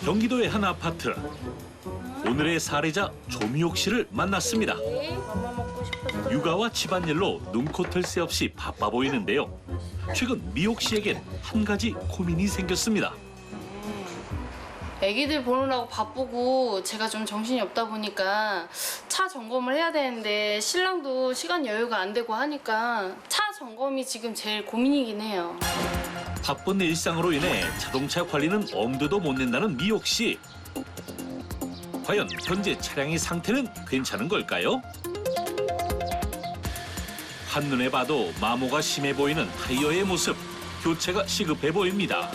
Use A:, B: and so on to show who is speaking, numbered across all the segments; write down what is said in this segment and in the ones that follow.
A: 경기도의 한 아파트. 오늘의 사례자 조미옥 씨를 만났습니다. 육아와 집안일로 눈코 뜰 새 없이 바빠 보이는데요. 최근 미옥 씨에겐 한 가지 고민이 생겼습니다.
B: 애기들 보느라고 바쁘고 제가 좀 정신이 없다 보니까 차 점검을 해야 되는데 신랑도 시간 여유가 안 되고 하니까 차 점검이 지금 제일 고민이긴 해요.
A: 바쁜 일상으로 인해 자동차 관리는 엄두도 못 낸다는 미옥 씨. 과연 현재 차량의 상태는 괜찮은 걸까요? 한눈에 봐도 마모가 심해 보이는 타이어의 모습. 교체가 시급해 보입니다.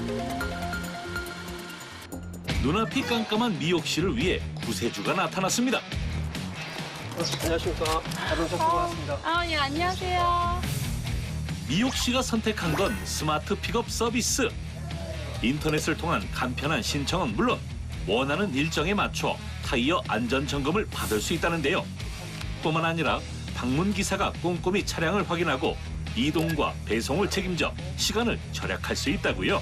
A: 눈앞이 깜깜한 미옥 씨를 위해 구세주가 나타났습니다.
C: 안녕하십니까. 자동차 쓰고 왔습니다.
B: 예, 안녕하세요.
A: 미옥 씨가 선택한 건 스마트 픽업 서비스. 인터넷을 통한 간편한 신청은 물론 원하는 일정에 맞춰 타이어 안전 점검을 받을 수 있다는데요. 뿐만 아니라 방문 기사가 꼼꼼히 차량을 확인하고 이동과 배송을 책임져 시간을 절약할 수 있다고요.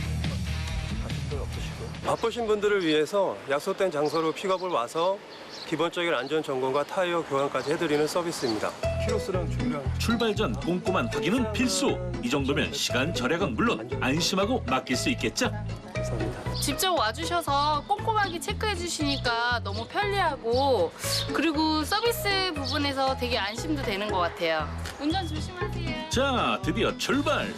C: 바쁘신 분들을 위해서 약속된 장소로 픽업을 와서 기본적인 안전 점검과 타이어 교환까지 해드리는 서비스입니다. 키로수랑 중량.
A: 출발 전 꼼꼼한 확인은 필수. 이 정도면 시간 절약은 물론 안심하고 맡길 수 있겠죠?
C: 감사합니다.
B: 직접 와주셔서 꼼꼼하게 체크해 주시니까 너무 편리하고 그리고 서비스 부분에서 되게 안심도 되는 것 같아요. 운전 조심하세요.
A: 자, 드디어 출발.